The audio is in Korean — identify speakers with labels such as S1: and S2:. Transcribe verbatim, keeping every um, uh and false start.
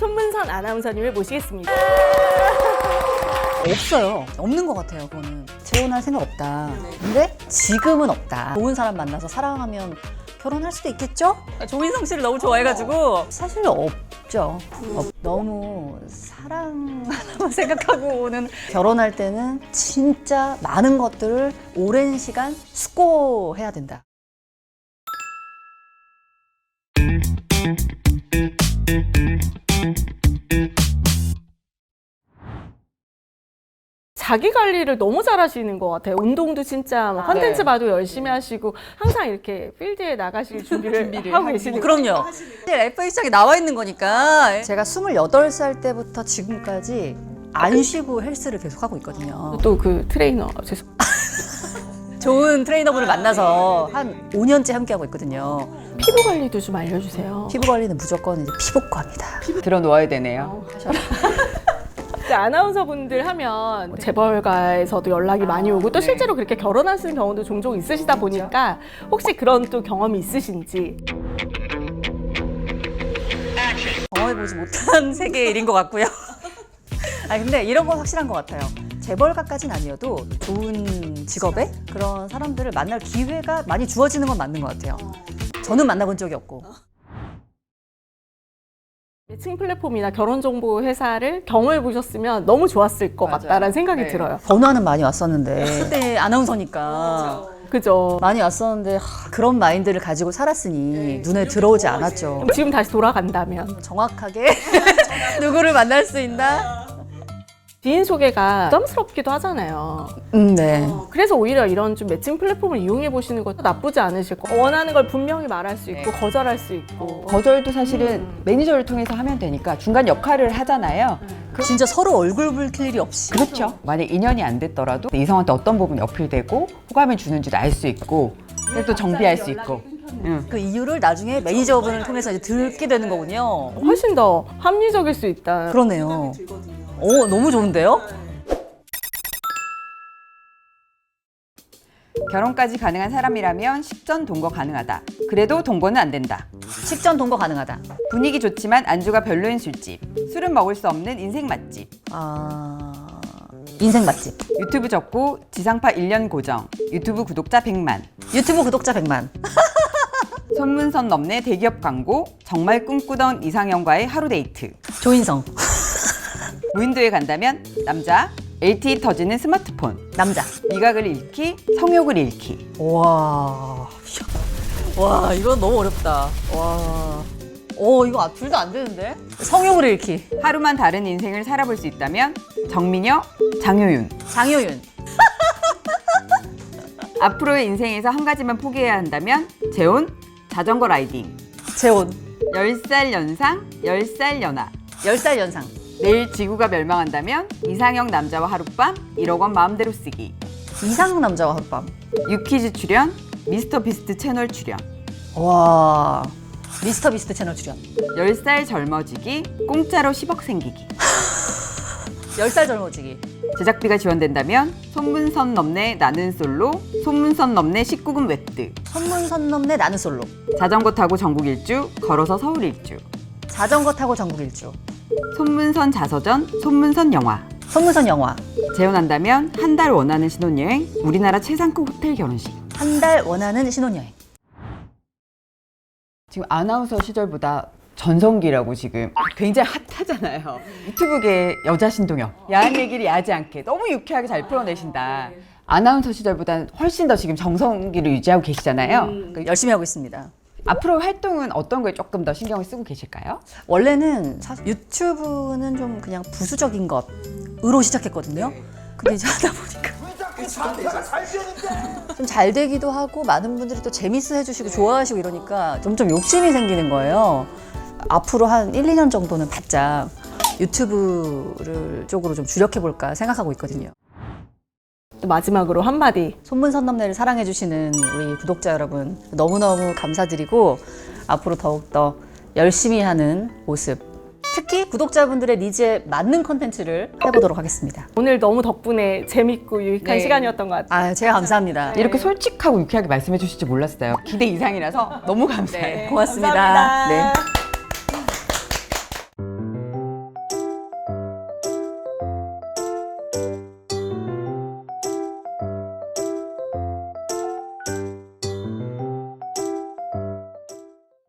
S1: 손문선 아나운서님을 모시겠습니다.
S2: 없어요. 없는 것 같아요. 그거는 재혼할 생각 없다. 근데 지금은 없다. 좋은 사람 만나서 사랑하면 결혼할 수도 있겠죠? 조인성 씨를 너무 좋아해가지고 사실 없죠. 없- 너무 사랑 하나만 생각하고는 결혼할 때는 진짜 많은 것들을 오랜 시간 숙고해야 된다.
S1: 자기 관리를 너무 잘하시는 것 같아요. 운동도 진짜 막 컨텐츠
S3: 네.
S1: 봐도 열심히 하시고 항상 이렇게 필드에 나가실 준비를, 하고 계시는 거예요.
S2: 그럼요. 에프에이치장에 나와 있는 거니까. 제가 스물여덟 살 때부터 지금까지 안 쉬고 헬스를 계속 하고 있거든요.
S1: 또 그 트레이너 죄송.
S2: 좋은 트레이너분을 만나서 한 오 년째 함께하고 있거든요.
S1: 피부 관리도 좀 알려주세요.
S2: 피부 관리는 무조건 이제 피부과입니다.
S3: 들어 놓아야 되네요.
S1: 그 아나운서 분들 하면 재벌가에서도 연락이 많이 오고 또 실제로 그렇게 결혼하시는 경우도 종종 있으시다 보니까 혹시 그런 또 경험이 있으신지.
S2: 경험해보지 못한 세계의 일인 것 같고요. 아 근데 이런 건 확실한 것 같아요. 재벌가까지는 아니어도 좋은 직업에 그런 사람들을 만날 기회가 많이 주어지는 건 맞는 것 같아요. 저는 만나본 적이 없고.
S1: 매칭 플랫폼이나 결혼정보 회사를 경험해 보셨으면 너무 좋았을 것
S3: 맞아요.
S1: 같다라는 생각이
S3: 네.
S1: 들어요.
S2: 번호는 많이 왔었는데 그때 아나운서니까
S1: 그죠?
S2: 많이 왔었는데 하, 그런 마인드를 가지고 살았으니 눈에 들어오지 않았죠.
S1: 그럼 지금 다시 돌아간다면
S2: 정확하게 누구를 만날 수 있나?
S1: 지인 소개가 부담스럽기도 하잖아요.
S2: 음, 네.
S1: 그래서 오히려 이런 좀 매칭 플랫폼을 이용해 보시는 것도 나쁘지 않으실 거. 원하는 걸 분명히 말할 수 있고
S3: 네.
S1: 거절할 수 있고.
S3: 거절도 사실은 매니저를 통해서 하면 되니까 중간 역할을 하잖아요.
S2: 진짜 서로 얼굴 붉힐 일이 없이.
S3: 그렇죠. 만약 인연이 안 됐더라도 이성한테 어떤 부분이 어필되고 호감을 주는지도 알 수 있고 그래서 또 정비할 수 있고. 응.
S2: 그 이유를 나중에 매니저분을 통해서 이제 듣게 되는 거군요.
S1: 훨씬 더 합리적일 수 있다.
S2: 그러네요. 오, 너무 좋은데요?
S3: 결혼까지 가능한 사람이라면 식전 동거 가능하다. 그래도 동거는 안 된다.
S2: 식전 동거 가능하다.
S3: 분위기 좋지만 안주가 별로인 술집. 술은 먹을 수 없는 인생 맛집.
S2: 아, 인생 맛집.
S3: 유튜브 접고 지상파 일 년 고정. 유튜브 구독자 백만.
S2: 유튜브 구독자 백만.
S3: 손문선 넘네 대기업 광고. 정말 꿈꾸던 이상형과의 하루 데이트.
S2: 조인성.
S3: 무인도에 간다면 남자. 엘티이 터지는 스마트폰.
S2: 남자.
S3: 미각을 잃기. 성욕을 잃기.
S2: 와. 와, 이건 너무 어렵다. 와. 오, 이거 둘 다 안 되는데? 성욕을 잃기.
S3: 하루만 다른 인생을 살아볼 수 있다면 정민여, 장효윤.
S2: 장효윤.
S3: 앞으로의 인생에서 한 가지만 포기해야 한다면 재혼, 자전거 라이딩.
S2: 재혼.
S3: 열 살 연상, 열 살 연하.
S2: 열 살 연상.
S3: 내일 지구가 멸망한다면 이상형 남자와 하룻밤, 일억 원 마음대로 쓰기.
S2: 이상 남자와 하룻밤.
S3: 유퀴즈 출연, 미스터 비스트 채널 출연.
S2: 와. 미스터 비스트 채널 출연.
S3: 열 살 젊어지기, 공짜로 십억 생기기.
S2: 열 살 젊어지기.
S3: 제작비가 지원된다면 손문선 넘네 나는 솔로, 손문선 넘네 십구 금 웹드.
S2: 손문선 넘네 나는 솔로.
S3: 자전거 타고 전국 일주, 걸어서 서울 일주.
S2: 자전거 타고 전국 일주.
S3: 손문선 자서전, 손문선 영화.
S2: 손문선 영화.
S3: 재혼한다면 한 달 원하는 신혼여행, 우리나라 최상급 호텔 결혼식.
S2: 한 달 원하는 신혼여행.
S3: 지금 아나운서 시절보다 전성기라고 지금 굉장히 핫하잖아요. 유튜브계 여자 신동엽. 야한 얘기를 야하지 않게 너무 유쾌하게 잘 풀어내신다. 아나운서 시절보다는 훨씬 더 지금 정성기를 유지하고 계시잖아요.
S2: 그 열심히 하고 있습니다.
S3: 앞으로 활동은 어떤 거에 조금 더 신경을 쓰고 계실까요?
S2: 원래는 사실 유튜브는 좀 그냥 부수적인 것으로 시작했거든요. 근데 이제 하다 보니까 좀 잘 되기도 하고 많은 분들이 또 재밌어 해주시고 좋아하시고 이러니까 점점 욕심이 생기는 거예요. 앞으로 한 일, 이 년 정도는 바짝 유튜브를 쪽으로 좀 주력해볼까 생각하고 있거든요.
S1: 또 마지막으로 한마디.
S2: 손문선 넘네를 사랑해주시는 우리 구독자 여러분 너무너무 감사드리고 앞으로 더욱더 열심히 하는 모습 특히 구독자분들의 니즈에 맞는 컨텐츠를 해보도록 하겠습니다.
S1: 오늘 너무 덕분에 재밌고 유익한
S3: 네.
S1: 시간이었던 것 같아요.
S2: 아, 제가 감사합니다.
S3: 이렇게 솔직하고 유쾌하게 말씀해 주실 줄 몰랐어요. 기대 이상이라서 너무 감사해요.
S2: 고맙습니다.
S1: 감사합니다.
S2: 네.